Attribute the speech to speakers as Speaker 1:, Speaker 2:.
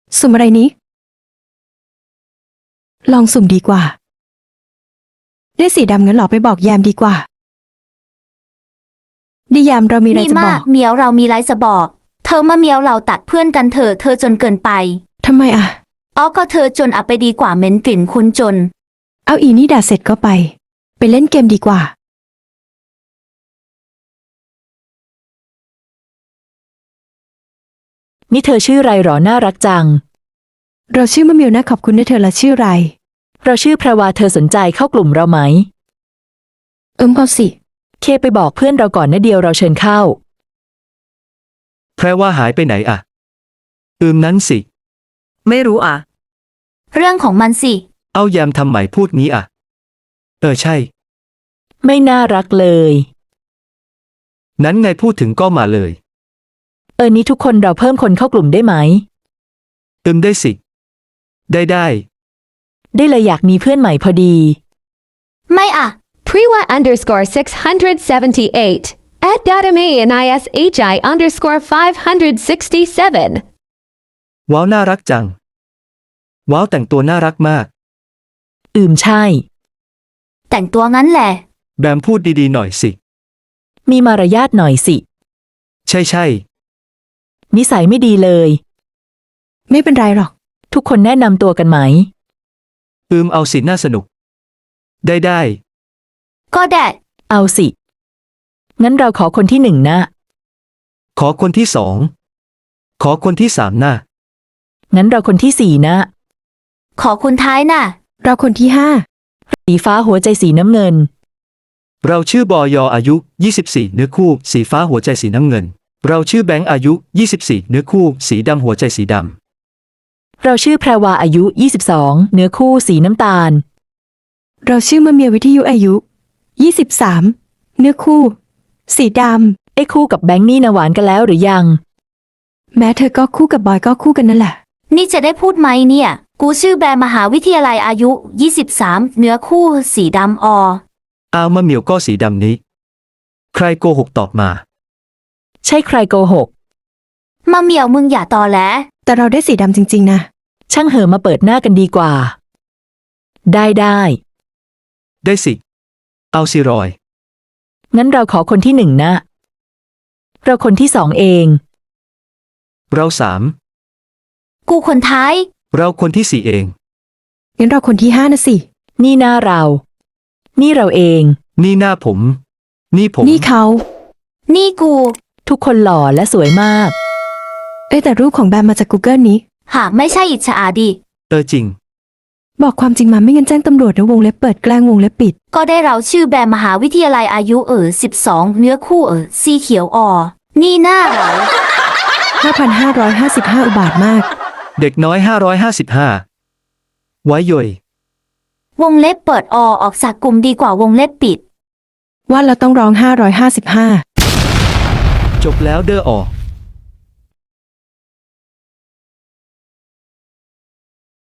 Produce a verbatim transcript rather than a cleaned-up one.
Speaker 1: สุ่มอะไรนี้ลองสุ่มดีกว่าได้สีดำงั้นหรอไปบอกแยมดีกว่าดิยามเรามีอะไร
Speaker 2: นี่
Speaker 1: จะบ
Speaker 2: มา
Speaker 1: อก ก
Speaker 2: เหมียวเรามีไรจะบอก เธอมาเหมียวเราตัดเพื่อนกันเถอะเธอจนเกินไป
Speaker 1: ทำไมอ่ะ
Speaker 2: อ๋อก็เธอจนอับไปดีกว่าเหม็นกลิ่นคุณจน
Speaker 1: เอาอีนี่ด่าเสร็จก็ไป ไปเล่นเกมดีกว่า
Speaker 3: นี่เธอชื่อไรหรอน่ารักจัง
Speaker 1: เราชื่อมะเมียวนะขอบคุณนะเธอละชื่ออะไร
Speaker 3: เราชื่อแพรวาเธอสนใจเข้ากลุ่มเราไหม
Speaker 1: เอิมก็สิ
Speaker 3: เคไปบอกเพื่อนเราก่อนนะเดียวเราเชิญเข้า
Speaker 4: แพรว่าหายไปไหนอ่ะอืมนั้นสิ
Speaker 5: ไม่รู้อ่ะ
Speaker 2: เรื่องของมันสิ
Speaker 4: เอาแยมทำไหมพูดงี้อ่ะ เออใช่
Speaker 3: ไม่น่ารักเลย
Speaker 4: นั้นไงพูดถึงก็มาเลย
Speaker 3: เออนี้ทุกคนเราเพิ่มคนเข้ากลุ่มได้ไหม
Speaker 4: อืมได้สิ ได้ได้
Speaker 3: ได้เลยอยากมีเพื่อนใหม่พอดี
Speaker 2: ไม่อ่ะ
Speaker 6: Priwa underscore six hundred seventy-eight. At Datame and ishi underscore five hundred sixty-seven.
Speaker 4: ว้าวน่ารักจัง ว้าวแต่งตัวน่ารักมาก
Speaker 3: อืมใช่
Speaker 2: แต่งตัวงั้นแหละ
Speaker 4: แบมพูดดีๆหน่อยสิ
Speaker 3: มีมารยาทหน่อยสิ
Speaker 4: ใช่ใช่
Speaker 3: นิสัยไม่ดีเลย
Speaker 1: ไม่เป็นไรหรอก
Speaker 3: ทุกคนแนะนำตัวกันไหม
Speaker 4: อืมเอาสิน่าสนุก ได้ได้
Speaker 2: ก็แดด
Speaker 3: เอาสิงั้นเราขอคนที่หนึ่งนะ
Speaker 4: ขอคนที่สอง ขอคนที่สามนะ
Speaker 3: งั้นเราคนที่สี่นะ
Speaker 2: ขอคุณท้ายน่ะ
Speaker 1: เราคนที่ห้า
Speaker 3: สีฟ้าหัวใจสีน้ำเงิน
Speaker 4: เราชื่อบอยอายุ ยี่สิบสี่ เนื้อคู่ สีฟ้าหัวใจสีน้ำเงิน เราชื่อแบงค์อายุ ยี่สิบสี่ เนื้อคู่ สีดำหัวใจสีดำ
Speaker 3: เราชื่อแพรวาอายุยี่สิบสองเนื้อคู่สีน้ำตาล
Speaker 1: เราชื่อมะเมียววิทยุอายุยี่สิบสามเนื้อคู่ สีด
Speaker 3: ไอ้คู่กับแบงค์นี่นะหวานกันแล้วหรือยัง
Speaker 1: ำแม้เธอก็คู่กับบอยก็คู่กันนั่นแหละ
Speaker 2: นี่จะได้พูดไหมเนี่ย กูชื่อแบมมหาวิทยาลัยอายุ ยี่สิบสาม เนื้อคู่ สีดำออ
Speaker 4: อ้าวมะเหมียวก็สีดำนี้ ใครโกหกตอบมา
Speaker 3: ใช่ใครโกหก
Speaker 2: มาเหมียวมึงอย่าตอแหล
Speaker 1: แต่เราได้สีดำจริงๆนะ
Speaker 3: ช่างเหอะมาเปิดหน้ากันดีกว่า ได้ได้
Speaker 4: ได้สิ เอาสิรอย
Speaker 3: งั้นเราขอคนที่หนึ่งนะ เราคนที่สองเอง
Speaker 4: เราสาม
Speaker 2: กูคนท้าย
Speaker 4: เราคนที่สี่เอง
Speaker 1: งั้นเราคนที่ห้านะสิ
Speaker 3: นี่หน้าเรา นี่เราเอง
Speaker 4: นี่หน้าผม นี่ผม
Speaker 1: นี่เขา
Speaker 2: นี่กู
Speaker 3: ทุกคนหล่อและสวยมาก
Speaker 1: เอ้ยแต่รูปของแบมมาจาก Google นี้
Speaker 2: หากไม่ใช่อิจฉาดิ
Speaker 4: เออจริง
Speaker 1: บอกความจริงมาไม่งั้นแจ้งตำรวจนะวงเล็บเปิดแกล้งวงเล็บปิด
Speaker 2: ก็ได้เราชื่อแบมมหาวิทยาลัยอายุเออสิบสองเนื้อคู่เออสีเขียวออ นี่หน้าเรา
Speaker 1: ห้าพันห้าร้อยห้าสิบห้า อุบาทมาก
Speaker 4: เด็กน้อยห้าร้อยห้าสิบห้า ไว้ย่อยว
Speaker 2: งเล็บเปิดอออกจากกลุ่มดีกว่าวงเล็บปิด
Speaker 1: ว่าเราต้องร้องห้าร้อยห้าสิบห้า
Speaker 4: จบแล้วเด้อออก